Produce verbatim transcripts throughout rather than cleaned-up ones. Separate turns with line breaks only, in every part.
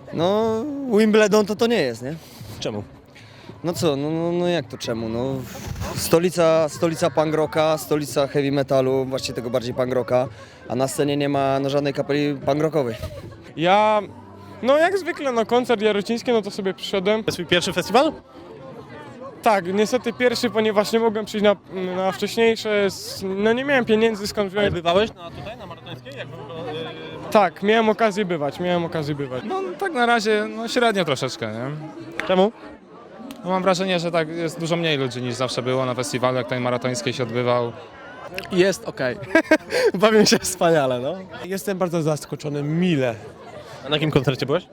No, Wimbledon to to nie jest, nie?
Czemu?
No co, no, no, no jak to czemu? No, stolica, stolica punk rocka, stolica heavy metalu, właściwie tego bardziej punk rocka, a na scenie nie ma no, żadnej kapeli punk rockowej.
Ja, no jak zwykle na koncert jarociński, no to sobie przyszedłem.
To jest twój pierwszy festiwal?
Tak, niestety pierwszy, ponieważ nie mogłem przyjść na, na wcześniejsze, s- no nie miałem pieniędzy skąd
Ale
wziąć.
bywałeś na, tutaj, na maratońskiej? Jak wygląda, yy,
Tak, miałem okazję bywać, miałem okazję bywać.
No tak na razie no, średnio troszeczkę, nie?
Czemu?
No, mam wrażenie, że tak jest dużo mniej ludzi niż zawsze było na festiwalu, jak ten maratoński się odbywał.
Jest okej.
Bawię się wspaniale, no.
Jestem bardzo zaskoczony mile
A na jakim koncercie byłeś?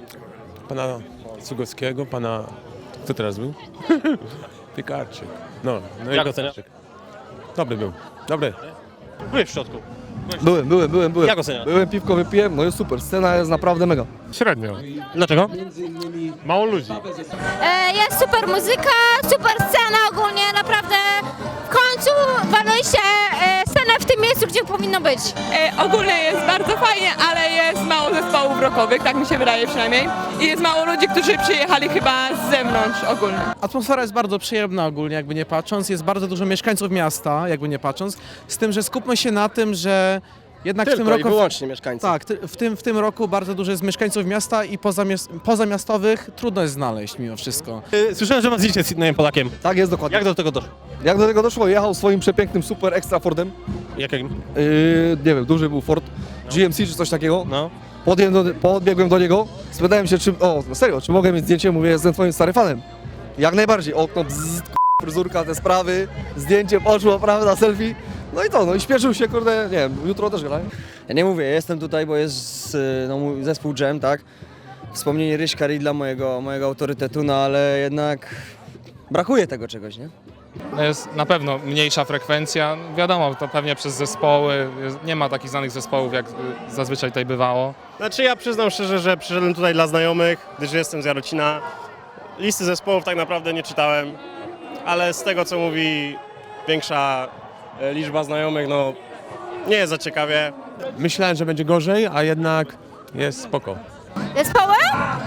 pana Cugowskiego, pana... Kto teraz był? Piekarczyk. No, no i
Jak
Piekarczyk.
oceniasz?
Dobry był, dobry.
Byłeś w środku.
Byłem, byłem, byłem, byłem.
Jak oceniasz?
Byłem, piwko wypiłem, no jest super, scena jest naprawdę mega.
Średnio.
Dlaczego?
Mało ludzi.
E, Jest super muzyka, super scena ogólnie, naprawdę w końcu waliliście e, scenę w tym miejscu, gdzie powinno być.
E, ogólnie jest bardzo fajnie, ale jest mało zespołów rockowych, tak mi się wydaje przynajmniej. I jest mało ludzi, którzy przyjechali chyba z zewnątrz ogólnie.
Atmosfera jest bardzo przyjemna ogólnie, jakby nie patrząc. Jest bardzo dużo mieszkańców miasta, jakby nie patrząc. Z tym, że skupmy się na tym, że jednak w tym
Tylko i
roku...
wyłącznie mieszkańcy.
Tak, ty- w tym, w tym roku bardzo dużo jest mieszkańców miasta i pozamies- pozamiastowych trudno jest znaleźć mimo wszystko.
Yy, Słyszałem, że masz z innym Polakiem.
Tak jest dokładnie.
Jak do tego doszło?
Jak do tego doszło? Jechał swoim przepięknym super extra Fordem.
Jakim?
Yy, nie wiem, duży był Ford, G M C czy coś takiego.
No.
Podbiegłem do, podbiegłem do niego, spytałem się, czy, o, no serio, czy mogę mieć zdjęcie? Mówię, jestem twoim starym fanem. Jak najbardziej, okno, bzz, k***, fryzurka, te sprawy, zdjęcie poszło, prawda, selfie. No i to, no i śpieszył się, kurde, nie wiem, jutro też grają.
Ja nie mówię, jestem tutaj, bo jest y, no, mój zespół Jam, tak? Wspomnienie Ryśka Ridla, mojego, mojego autorytetu, no ale jednak brakuje tego czegoś, nie?
No, jest na pewno mniejsza frekwencja. Wiadomo, to pewnie przez zespoły. Jest, nie ma takich znanych zespołów, jak y, zazwyczaj tutaj bywało.
Znaczy ja przyznam szczerze, że przyszedłem tutaj dla znajomych, gdyż jestem z Jarocina. Listy zespołów tak naprawdę nie czytałem, ale z tego co mówi większa e, liczba znajomych, no nie jest za ciekawie.
Myślałem, że będzie gorzej, a jednak jest spoko.
Zespoły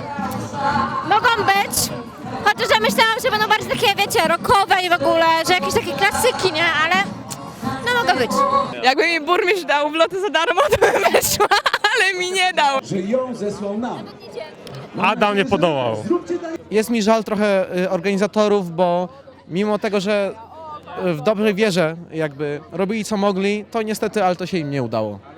mogą być, chociaż ja myślałam, że będą bardziej takie, wiecie, rockowe i w ogóle, że jakieś takie klasyki, nie? Ale no mogą być.
Jakby mi burmistrz dał wloty za darmo, to bym weszła, ale mi nie dał.
Adam nie podołał.
Jest mi żal trochę y, organizatorów, bo mimo tego, że y, w dobrej wierze jakby robili co mogli, to niestety, ale to się im nie udało.